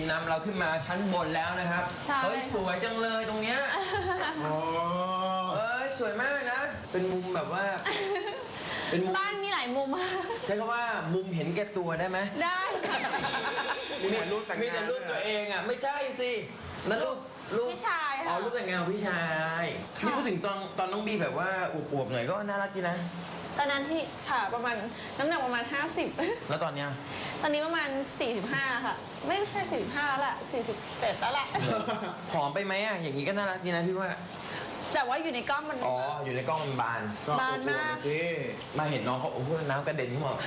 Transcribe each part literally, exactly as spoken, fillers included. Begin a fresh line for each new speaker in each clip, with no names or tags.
นำเราขึ้นมาชั้นบนแล้วนะครับเฮ้ยสวยจังเลยตรงเนี้ยอ๋อเอ้ยสวยมากนะเป็นมุมแบบว่าเป็นมุม
บ้านมีหลายมุม
ใช้คำว่ามุมเห็นแก่ตัวได้ไหม
ได้
มีแต่รูปแต่งงานมีแต่รูปตัวเองอ่ะไม่ใช่สินั่นรูปรูป
พี่ชาย
อ๋อรูปแต่งงานของพี่ชายนี่พูดถึงตอนตอนน้องบีแบบว่าอวบๆหน่อยก็น่ารักดีนะ
ตอนนั้นที่ค่ะประมาณน้ำหนักประมาณห้าสิบ
แล้วตอนเนี้ย
ตอนนี้ประมาณสี่สิบห้าค่ะไม่ใช่สี่สิบห้าแล้วแหละสี่สิบเจ็ดแล้วแหละ
ผอมไปไหมอ่ะอย่างนี้ก็น่ารักดีนะพี่ว่า
แต่ว่าอยู่ในกล้องมัน
อ๋ออยู่ในกล้องมันบาน
บานมาก
มาเห็นน้องเขาโอ้โหน้ำกระเด็นขึ้นมา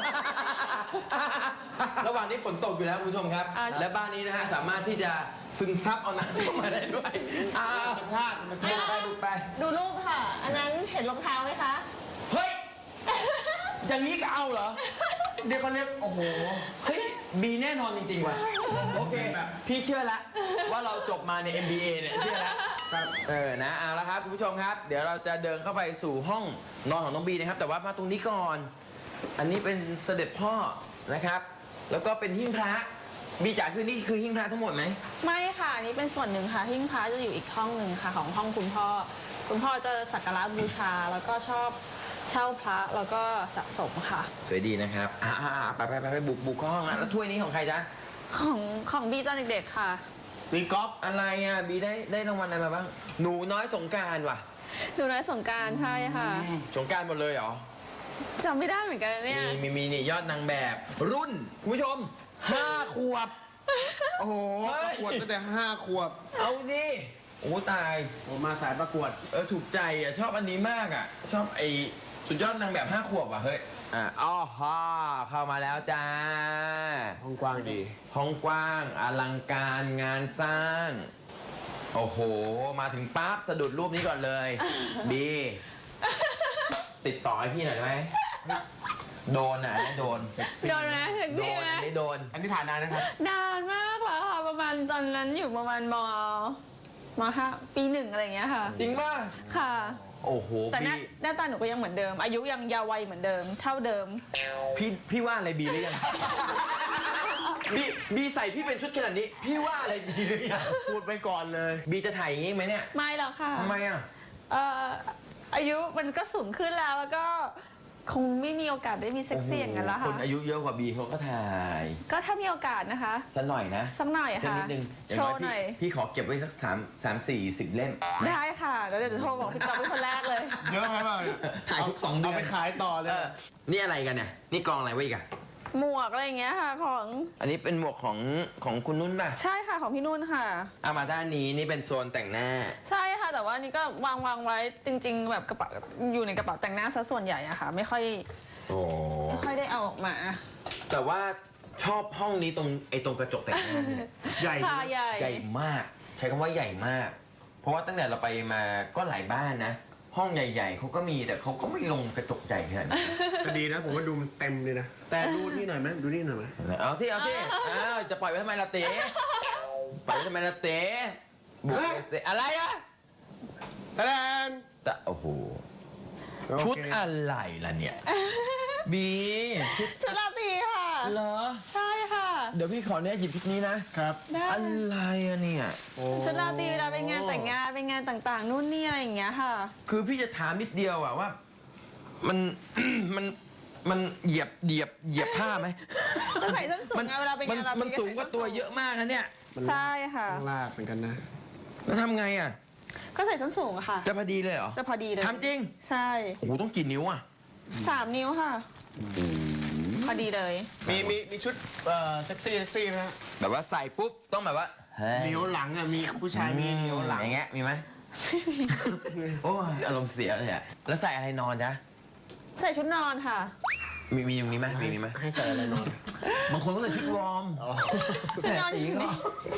ระหว่างนี้ฝนตกอยู่แล้วคุณผู้ชมครับและบ้านนี้นะฮะสามารถที่จะซึมซับเอาน้ำเข้ามาได้ด้วยธรรมชาติธรรมชาติไปดูไป
ดูรูปค่ะอันนั้นเห็นรองเท้าไหมคะ
เฮ้ยอย่างนี้ก็เอาเหรอ
เดี๋ยวเขาเรียกโอ้โห
เฮ้ยบีแน่นอนจริงๆว่ะโอเคพี่เชื่อละว่าเราจบมาใน เอ็ม บี เอ เนี่ยเชื่อละเออนะเอาละครับคุณผู้ชมครับเดี๋ยวเราจะเดินเข้าไปสู่ห้องนอนของน้องบีนะครับแต่ว่ามาตรงนี้ก่อนอันนี้เป็นเสด็จพ่อนะครับแล้วก็เป็นหิ้งพระบีจ๋าคือนี่คือหิ้งพระทั้งหมดไหม
ไม่ค่ะอันนี้เป็นส่วนหนึ่งค่ะหิ้งพระจะอยู่อีกห้องหนึ่งค่ะของห้องคุณพ่อคุณพ่อจะสักการะบูชาแล้วก็ชอบเช่าพระแล้วก็สะสมค่ะ
สวยดีนะครับอ่าไปไปไปไปบุกบุกห้องนะแล้วถ้วยนี้ของใครจ๊ะ
ของของบีตอนเด็กๆค่ะ
บีก๊อฟ
อะไรอ่ะบีได้ได้รางวัลอะไรมาบ้างหนูน้อยสงกรานต์ว่ะ
หนูน้อยสงกรานต์ใช่ค่ะ
สงกรานต์หมดเลยเหรอ
จำไม่ได้เหมือนกันเนี่ย
มีมีมีนี่ยอดนางแบบรุ่นคุณผู้ชมห้าขวบ
โอ้โหขวดตั้งแต่ห้าขวบ
เอาดิโอ้ตาย
ผมมาสายประกวด
เออถูกใจอ่ะชอบอันนี้มากอ่ะชอบไอสุดยอดนางแบบห้าขวบอ่ะเฮ้ยอ่ะอ๋อฮ่าเข้ามาแล้วจ้า
ห้องกว้างดี
ห้องกว้างอลังการงานสร้างโอ้โหมาถึงปั๊บสะดุดรูปนี้ก่อนเลยบีติดต่อให้พี่หน่อยได้ไหมโดนอ่ะโดน
โดนไหม
โดนอันนี้โดน
อันนี้ถ่ายนานนะครับ
นานมากแล้วค่ะประมาณตอนนั้นอยู่ประมาณมมห้าปีหนึ่งอะไรอย่างเงี้ยค่ะ
จริงป่ะ
ค่ะ
โอ้โห
แต่หน้าหน้าตาหนูก็ยังเหมือนเดิมอายุยังยาววัยเหมือนเดิมเท่าเดิม
พี่พี่ว่าอะไรบีหรือยังบีบีใส่พี่เป็นชุดขนาดนี้พี่ว่าอะไรบีหรือยังพูดไปก่อนเลยบีจะถ่ายอย่างงี้ไหมเนี่ย
ไม่หรอกค่ะ
ทำไมอ่ะ
เอ่ออายุมันก็สูงขึ้นแล้วแล้วก็คงไม่มีโอกาสได้มีเซ็กซี่อย่างนั้นแล้วค่ะ
คนอายุเยอะกว่าบีเขาก็ถ่าย
ก็ถ้ามีโอกาสนะคะ
สักหน่อยนะ
สักหน่อยค่ะ
นิดนึง
โชว์หน่อย
พี่ขอเก็บไว้สักสามสามสี่สิบเล่ม
ได้ค่ะแล้วเดี๋ยวจะโทรบอกพี่ก๊อฟเป็นคนแรกเลย
เยอะไหมบ้าง
ถ่ายทุกสองเดือน
เอาไปขายต่อเลย
นี่อะไรกันเนี่ยนี่กองอะไรไว้อีกอะ
หมวกอะไรอย่างเงี้ยค่ะของ
อันนี้เป็นหมวกของของคุณนุ่นป่ะ
ใช่ค่ะของพี่นุ่นค่ะ
เอามาด้านนี้นี่เป็นโซนแต่งหน้า
ใช่ค่ะแต่ว่านี่ก็วางวางไว้จริงๆแบบกระเป๋าอยู่ในกระเป๋าแต่งหน้าซะส่วนใหญ่อะค่ะไม่ค่อยไม่ค่อยได้เอาออกมา
แต่ว่าชอบห้องนี้ตรงไอ้ตรงกระจกแต่งหน้า
ใหญ่
ใหญ่
ใหญ่มากใช้คำว่าใหญ่มากเพราะว่าตั้งแต่เราไปมาก็หลายบ้านนะห้องใหญ่ๆเขาก็มีแต่เขาก็ไม่ลงกระจกใหญ่ขนาดนี้
จะดีนะผมว่าดูมันเต็มเลยนะแต่ดูนี่หน่อยไหมดูนี่หน่อยไหม
เอาที่เอาที่อ้าวจะปล่อยไว้ทำไมล่ะเต๋ปล่อยไว้ทำไมล่ะเต๋บุกเต๋อะไรอะ
ตะแดน
แต่โอ้โหชุดอะไรล่ะเนี่ยบี
ชุดราตรีค่ะ
เหรอ
ใช่ค่ะ
เดี๋ยวพี่ขอเนี่ยหยิบชุดนี้นะครับอะไรอะเนี่ย
ชุดราตรีเวลาไปงานแต่งงานไปงานต่างๆนู่นนี่อะไรอย่างเงี้ยค่ะ
คือพี่จะถามนิดเดียวอะว่ามันมันมันเหยียบเหยียบเหยียบผ้าไหม
จะใส่ส้นสูงเวลาไปงานเรา
มันสูงกว่าตัวเยอะมากนะเนี่ย
ใช่ค่ะ
ลากเหมือนกันนะ
แล้วทำไงอะ
ก็ใส่ส้นสูงค่ะ
จะพอดีเลยเหรอ
จะพอดีเลย
ทำจริง
ใช่
โอ้โหต้องกี่นิ้วอะ
สามนิ้วค่ะพอดีเลย
มีมีมีชุดเอ่อเซ็กซี่เซ็กซี่ไหม
แบบว่าใส่ปุ๊บต้องแบบว่า
นิ้วหลังอ่ะมีผู้ชายมีนิ้วหลัง
อย่างเงี้ยมีไหมโอ้อารมณ์เสียเลยอะแล้วใส่อะไรนอนจ๊ะ
ใส่ชุดนอนค่ะ
มีมีมีไหมมีมีไหม
ให้ใส่อะไรนอน
บางคนก็ใส่ชุดวอร์ม
ชุดนอน
ตีก็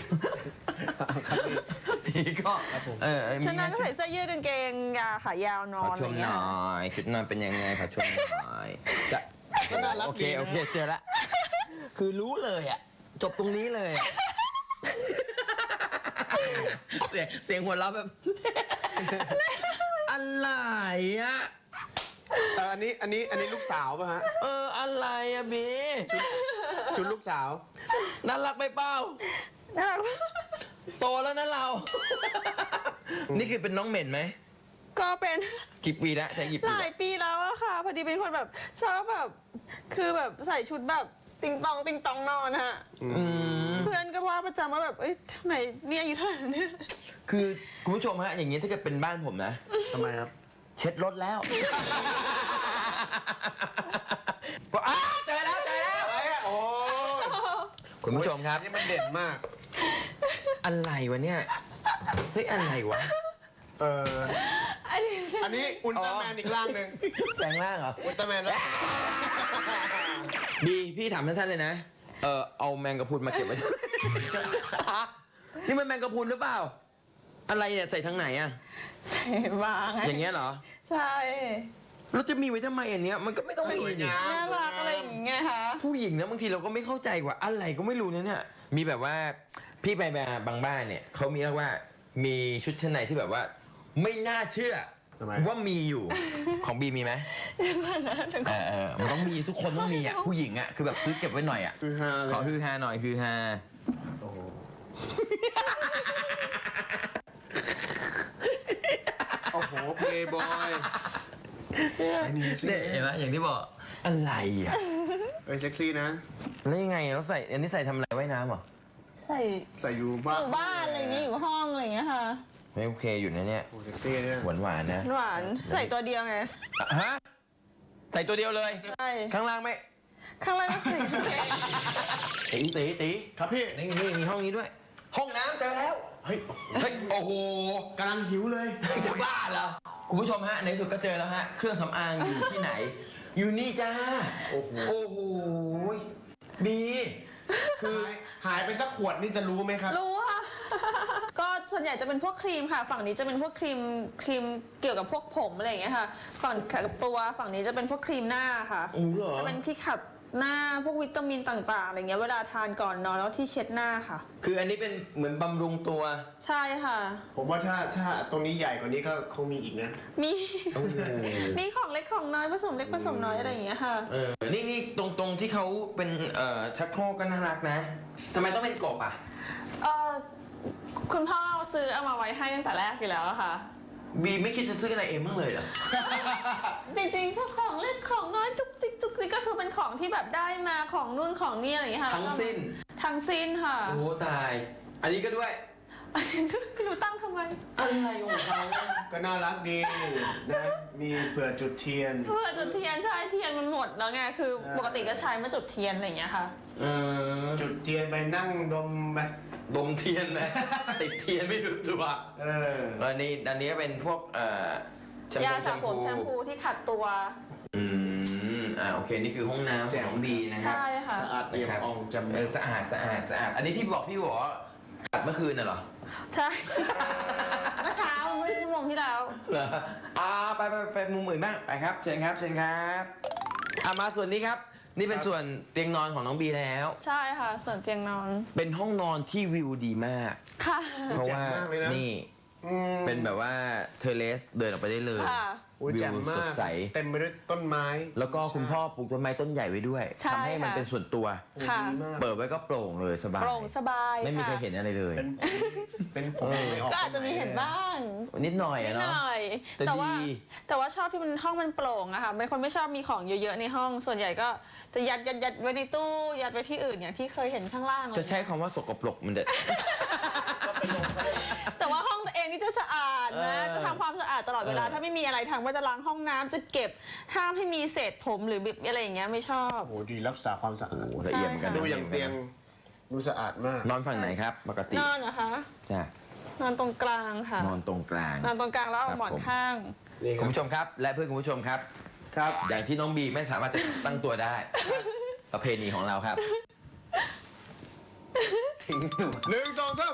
ตีก็เออ
ชุดนอนก็ใส่เสื้อยืดกางเกงยาขายาวนอน
อะไรเงี้ยขอชมหน่อยชุดนอนเป็นยังไงขอชมหน่อยจะโอเคโอเคเจอละคือรู้เลยอ่ะจบตรงนี้เลยเสียงเสียงหัวเราะแบบอะไรอ่ะ
เอออันนี้อันนี้อันนี้ลูกสาวป่ะฮะ
เอออะไรอะบี
ชุดชุดลูกสาว
น่ารักไปเปล่า
น่ารัก
โตแล้วนะเรา นี่คือเป็นน้องเหม็นไหม
ก็เป็น
กี่ปีแล้วใช่กี่ปี
ห
แล้
ลายว ปีแล้วอะค่ะ พอดีเป็นคนแบบชอบแบบคือแบบใส่ชุดแบบติงตองติงตองนอนฮะ
อืม
เพื่อนก็ว่าประจำว่าแบบเอ้ยทำไมเนี่ยอายู่เท่าไหร่เนี่ย
คือคุณผู้ชมฮะอย่างนี้ถ้าเกิดเป็นบ้านผมนะ
ทำไมครับ
เช็ดรถแล้ว บอกอ้าเจอแล้วเจอแล้ว
อะไรอะโอ้
คุณผู้ชมครับ
นี่มันเด่นมาก
อะไรวะเนี่ยเฮ้ยอะไรวะ
เออ
อันนี้
อันนี้อุลตร้าแมนอีกร่างหนึ่ง
แปลงร่างเหรอ
อุลตร้าแมนแล้ว
ดีพี่ถามสั้นๆเลยนะเออเอาแมงกะพรุนมาเก็บไว้ นี่มันแมงกะพรุนหรือเปล่า อะไรเนี่ยใส่ทางไหนอะ
ใส่บางไง
อย่างเงี้ยเหรอ
ใช่
เราจะมีไว้ทำไมอันเนี้ยมันก็ไม่ต้องมี
สวย
ดิ
งาม
น่ารักอะไรอย่างเงี้ยค่ะ
ผู้หญิงนะบางทีเราก็ไม่เข้าใจว่าอะไรก็ไม่รู้นะเนี่ยมีแบบว่าพี่ไปมาบางบ้านเนี่ยเขามีเรียกว่ามีชุดชั้นในที่แบบว่า ไม่น่าเชื่อ
ทำไม
ว่ามีอยู่ ของบีมีไหมเออเออมันต้องมีทุกคนต้องมีอ่ะผู้หญิงอ่ะคือแบบซื้อเก็บไว้หน่อยอ่ะ
คือฮาเลย
ขอฮือฮาหน่อยฮือฮา
โอ้โหโอ้โหเพลย์บอยไอ้นี่สิ
เนี่ยเห็นไหมอย่างที่บอกอะไรอ่ะ
เอ้ยเซ็กซี่นะ
แล้วยังไงเราใส่อันนี้ใส่ทำอะไรว่ายน้ำเหรอ
ใส่
ใส่อยู่บ้า
อน ยู่บ้านอะไรอย่างเงี้ยอยู่ห้องอะไรอย่างเงี้ยค่ะ
ไม่โอเคอยู่นะเนี่ย
โอ้เซ็กซี่เนี่ย
หวานหวานๆนะ
หวานใส่ตัวเดียวไง
อ่ะฮะใส่ตัวเดียวเลย
ใช่
ข้างล่างไม่
ข้างล่างก็ใส่
ตีตีตี
ครับพี่
นี่นี่มีห้องนี้ด้วย ห้องน้ำเจอแล้ว
เฮ้ย
เฮ้ย โอ้โห
กำลังหิวเลย
จะบ้าเหรอ คุณผู้ชมฮะ ในที่สุดก็เจอแล้วฮะ เครื่องสำอางอยู่ที่ไหน อยู่นี่จ้า
โอ้โห
โอ้โหบี คือ
หายหายไปสักขวดนี่จะรู้ไหมครับ
รู้ค่ะ ก็ส่วนใหญ่จะเป็นพวกครีมค่ะ ฝั่งนี้จะเป็นพวกครีมครีมเกี่ยวกับพวกผมอะไรอย่างเงี้ยค่ะ ฝั่งกับตัวฝั่งนี้จะเป็นพวกครีมหน้าค่ะ
โอ้เหรอ
จะเป็นที่ขัดหน้าพวกวิตามินต่างๆอะไรเงี้ยเวลาทานก่อนนอนแล้วที่เช็ดหน้าค่ะ
คืออันนี้เป็นเหมือนบำรุงตัว
ใช่ค่ะ
ผมว่าถ้าถ้าตรงนี้ใหญ่กว่านี้ก็คงมีอีกนะ
มี
โอ้โห
มีของเล็กของน้อยผสมเล็กผสมน้อยอะไรอย่างเงี้ยค่ะ
เออ นี่นี่ตรงตรงที่เขาเป็นเอ่อชักโครกก็น่ารักนะทำไมต้องเป็นกบอ่ะ
เออคุณพ่อซื้อเอามาไว้ให้ตั้งแต่แรกอยู่แล้วอะค่ะ
บีไม่คิดจะซื้ออะไรเองบ้างเลยเหรอ
จริงๆพวกของเล็กของน้อยจุกจิกจุกจิกก็คือเป็นของที่แบบได้มาของนู่นของนี่อะไรอย่างเงี้ยค่ะ
ทั้งสิ้น
ทั้งสิ้นค่ะ
โอ้ตาย อันนี้ก็ด้วย
อันนี้ไม่รู้ตั้งทำไม
อะไรของเขาอะ
ก็น่ารักดีนะ มีเผื่อจุดเทียน
เพื่อจุดเทียนใช่เทียนมันหมดแล้วไงคือ
ใช่
ปกติก็ใช้มาจุดเทียนอะไรอย่างเงี้ยค่ะ
เออ
จุดเทียนไปนั่งดมไป
ดมเทียนนะ ติดเทียนไม่รู้ตัว
เออ
อันนี้อันนี้ก็เป็นพวกเอ่อแชม
ยา
พู
สระผมแชมพูที่ขัดตัว
อืมอ่าโอเคนี่คือห้องน้ำ
แจ่
ของ
ม
น้องบีนะครั
ใช่ค่ะ
สะอาดเอี่ยมอ่องจำ
เออสะอาดสะอาดสะอาด อันนี้ที่บอกพี่บอกว่าขัดเมื่อคืนน่ะเหรอ
ใช่ เมื่อเช้าเมื่อชั่วโมงที่แล้ว
เหรออ่าไปไปไปมุมอื่นบ้างไปครับเชิญครับเชิญครับอ่ามาส่วนนี้ครับ นี่เป็นส่วนเตียงนอนของน้องบีแล้ว
ใช่ค่ะ ส่วนเตียงนอน
เป็นห้องนอนที่วิวดีมาก
ค่ะ
เพราะว่านี่
อืม
เป็นแบบว่าเทอร์เลสเดินออกไปได้เลย
ค่ะ
โอ้ยแจ่มมา
วิวส
ก
ดใส
เต็มไปด้วยต้นไม้
แล้วก็คุณพ่อปลูกต้นไม้ต้นใหญ่ไว้ด้วย
ใช่
ทำให้มัน
ค่ะ
เป็นส่วนตัว
โอ้ย
ค่ะ
ดีมาก
เปิดไว้ก็โปร่งเลยสบาย
โปร่งสบาย
ไม่มีใคร
ค่ะ
เห็นอะไรเลย
เป็นเป็นผม
เออ
ไม่
ก็อาจจะมีเห็นบ้าง
นิดหน่อย
นิ
อะ
ดห
เนาะ
น่อย
แต่
แต่ว่า
ดี
แต่ว่าชอบที่มันห้องมันโปร่งอะค่ะเป็นคนไม่ชอบมีของเยอะๆในห้อง ส่วนใหญ่ก็จะยัดยัดยัดไว้ในตู้ยัดไว้ที่อื่นอย่างที่เคยเห็นข้างล่าง
จะใช้คำว่าสกปรกมันเด็ด
แต่ว่าห้องตัวเองนี่จะสะอาดนะ
เออ
จะทำความสะอาดตลอดเวลา
เออ
ถ้าไม่มีอะไรทำก็จะล้างห้องน้ำจะเก็บห้ามให้มีเศษผมหรือบิบอะไรอย่างเงี้ยไม่ชอบ
โอ้โหดีรักษาความสะอาด
โอ้ละเอียดเหมือนกันนะ
ดูอย่างเตียงดูสะอาดมาก
นอนฝั่งไหนครับ ปกติ
นอนเหรอคะ
จ้ะ
นอนตรงกลางค่ะ
นอนตรงกลาง
นอนตรงกลางแล้วเอา
ครับ
หมอน
ผม
ข้าง
นี่ค
คุ
รับ
ณผู้ชมครับ และเพื่อนคุณผู้ชมครับ
ครับ
อย่างที่น้องบีไม่สามารถจะตั้งตัวได้ ประเพณีของเราครับทิ้งหนู
หนึ่งสองสาม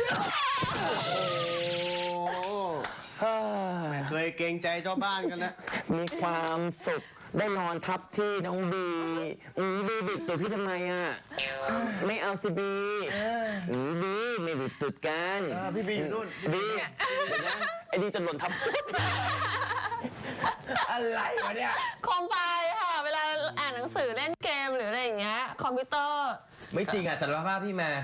ไม่เคยเกรงใจเจ้าบ้านกันนะ
มีความสุขได้นอนทับที่น้องบีอือบีบิดตัวพี่ทำไมอ่ะ ไม่เอาสิบีอือบีไม่บิดตุดกัน
เออพี่บีอยู่นู่น
บีเดี๋ยวนะไอ้นี่จะหล่นทับ อะไรวะเนี่ย
โคมไฟค่ะ เวลาอ่านหนังสือเล่นเกมหรืออะไรอย่างเงี้ยคอมพิวเตอร์
ไม่จริงอ่ะสารภาพพี่มา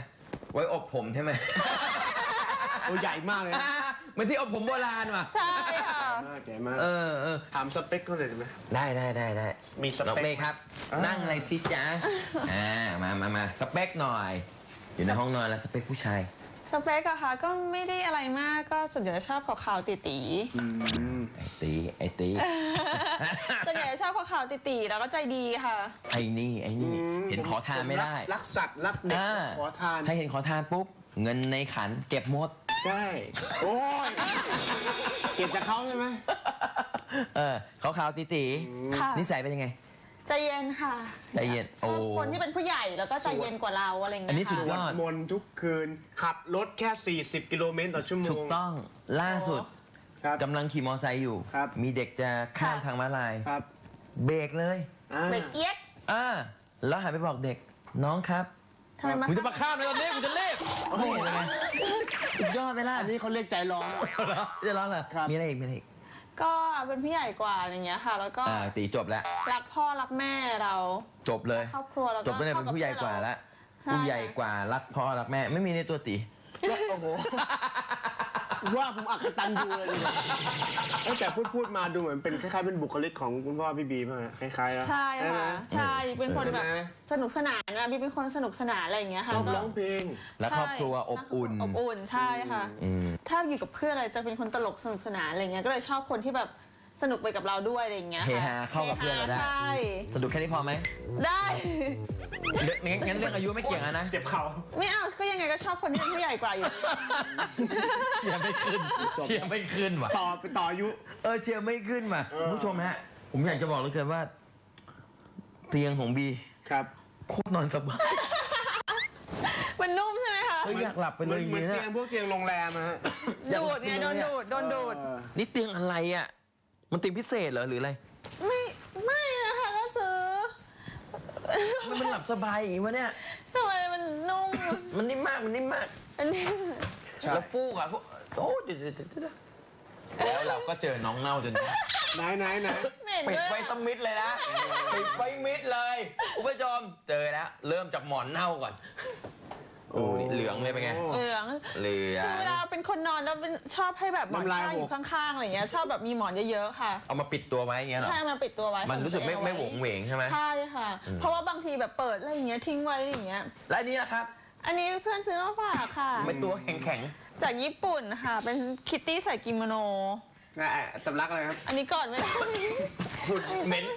ไว้อบผมใช่ไหม
ตัวใหญ่มากเลยนะ
เหมือนที่อบผมโบราณว่ะ
ใช่ค่ะ
มากใหญ่มาก
เออเออ
ถามสเปคเขาเลยได้ไหม
ได้ได้ได้ได้
มีสเปค
น้องเมย์ครับ
อ่านั่
นั่งอะไรซิจ๊ะ อ่า มามามาสเปคหน่อย อยู่ในห้องนอนแล้วสเปคผู้ชาย
สเปกอะค่ะก็ไม่ได้อะไรมากก็ส่วนใหญ่จะชอบขาวๆตี๋
อืม
ไอ้ตีไอ้ตี
ๆส่วนใหญ่จะชอบขาวๆตี๋ๆแล้วก็ใจดีค่ะ
ไอ้นี่ไอ้นี่ เห็นขอทานไม่ได้
รักสัตว์รักเด็ก
อ่า
ขอทาน
ถ้าเห็นขอทานปุ๊บ เงินในขันเก็บหมด
ใช่ โอ้ยเก็บจากเขาใช่ไหม
เออขาวๆตีตี
ค่ะ
นิสัยเป็นยังไง
ใจเย็นค่ะ
ใจเย็น
ชอบ
โอ้
คนที่เป็นผู้ใหญ่แล้วก็ใจเย็นกว่าเราอะไรอย่าง
อันนี้
เงี้ย
สุดยอ
ค่ะ
ด
มนต์ทุกคืน ขับรถแค่ สี่สิบ กิโลเมตรต่อชั่วโมง
ถูกต้องล่าสุด
ครับ
กำลังขี่มอไซค์อยู่
ครับ
มีเด็กจะข้าม
ค่ะ
ทางม้าลาย
ครับ
เบรกเลย
อ่า
เบรกเอียด
อ่าแล้วหันไปบอกเด็กน้องครับ
ทำไมมา
กูจะมาข้ามเลยตอนนี้กูจะเล่นนี่เห็นไหมสุดยอดไปล่ะ
อันนี้เขาเรียกใจร้อน
จะร้องเหรอ
ครับ
มีอะไรอีกมีอะไรอีก
ก็เป็นผู้ใหญ่กว่าอย่างเงี้ยค่ะ แล้วก็
อ่าตีจบแล้ว
รักพ่อรักแม่เรา
จบเลย
ครอบครัวแล้วก็
จบไปเลยเป็นผู้ใหญ่กว่าแล้ว
ใช่
ผู้ใหญ่กว่ารักพ่อรักแม่ไม่มีในตัวตี
โอ้โห ว่าผมอักตันยูเลยดีกว่าเอ้ยแต่พูดพูดมาดูเหมือนเป็นคล้ายๆเป็นบุคลิกของคุณพ่อพี่บีมากคล้ายๆนะ
ใช่
ไหม
ค่ะ ใช่เป็นคนแบบ
ใช่ไหม
สนุกสนานนะบีเป็นคนสนุกสนานอะไรอย่างเงี้ย
ช
ค่ะ
อบ
ก็
ร้องเพลง
และครอบครัว
ใช่
อบอุ่น
อบอุ่นใช่ค่ะ
อืม
ถ้าอยู่กับเพื่อนอะไรจะเป็นคนตลกสนุกสนานอะไรเงี้ยก็เลยชอบคนที่แบบสนุกไปกับเราด้วยอะไรอย่างเงี้ย
เฮ
ค่ะ
ฮาเข้ากับเพื่อนเราได้
ใช่
สนุกแค่นี้พอไหม
ได้
เรื่องงั้นงั้นเรื่องอายุไม่เกี่ยงอะนะ
เจ็บเข่า
ไม่เอาก็ยังไงก็ชอบคนที่เป็นผู้ใหญ่กว่าอยู่ดี
เชียร์ไม่ขึ้น เชียร์ไม่ขึ้นว่ะ
ต่อไปต่ออายุ
เออเชียร์ไม่ขึ้นว่ะ
เออ
คุณผู้ชมฮะ ผมอยากจะบอกเหลยเกินว่า เตียงของบี
ครับ
โคตรนอนสบาย
มันนุ่มใช่ไหมคะ
เฮ้ยอยากหลับไป
เห
เล
มือย น
อย่าง
เหมือน
เงี้
เตีย
ย
งพวกเตียงโรงแรมอะฮะ
อยาก
ดูดไงโดนดูดโดนดูด
เออ
นี่เตียงอะไรอ่ะ มันเตียงพิเศษเหรอหรืออะไร
ไม่ไม่นะคะก็ซื้อ
มันมันหลับสบายอย่างงี้วะเนี่ย
ทำไมมันนุ่ม
มันนิ่มมาก มันนิ่มมาก
อันนี้
ใช่
แล้วฟูกอ่ะฟูกโอ้เดี๋ยวเดี๋ยวเดี๋ยวเดี๋ยวแล้วเราก็เจอน้องเน่าจนได้
ไหนไหนไหน
เหม็น
ปิด
ด้วย
ไว้สมิดเลยนะ ปิดไว้มิดเลยคุณผู้ชมเจอแล้ว เริ่มจากหมอนเน่าก่อนโอ้นี่เหลืองเลยเป็นไง
เหลือง
เหลือ
คือเวลาง เป็นคนนอนแล้วเป็นชอบให้แบบหมอนข้างอยู่ข้างๆอะไรอย่างเงี้ยชอบแบบมีหมอนเยอะๆค่ะ
เอามาปิดตัวไว้อย่างเงี้ยเหรอ
ใช่มาปิดตัวไว้
มันรู้สึกไม่
ของตัว
ไม่
เอ
หวงเหวงใช่ไหม
ใช่ค่ะ เพราะว่าบางทีแบบเปิดอะไรอย่างเงี้ยทิ้งไว้อะไรอย่างเงี้ย
และอันนี้นะครับ
อันนี้เพื่อนซื้อมาฝากค่ะ
เป็นตัวแข็งแข็ง
จากญี่ปุ่นค่ะ เป็นคิตตี้ใส่กิโมโน
อ่ะสำลักอะไรครับ
อันนี้ก่อนไม่ได้
ๆขุ่นเหม็น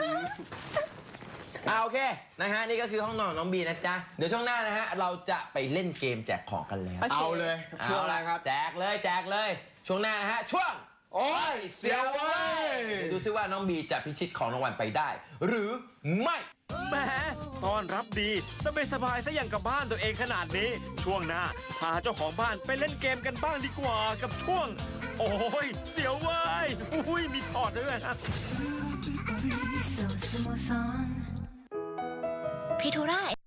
อ่าโอเคนะฮะนี่ก็คือห้องนอนของน้องบีนะจ๊ะ เดี๋ยวช่วงหน้านะฮะเราจะไปเล่นเกมแจกของกันแล้ว
โอเค
เอาเลยช่วงอะไรครับ
แจกเลยแจกเลย ช่วงหน้านะฮะช่วง
โอ้ยเสียวเว้ย
ดูซิว่าน้องบีจะพิชิตของรางวัลไปได้ หรือไม่
แหมต้อนรับดีสบายสบายๆซะอย่างกับบ้านตัวเองขนาดนี้ ช่วงหน้าพาเจ้าของบ้านไปเล่นเกมกันบ้างดีกว่ากับช่วง โอ้ย เสียวเว้ยอุ้ยมีถอดด้วยนะ
พี่ธุระ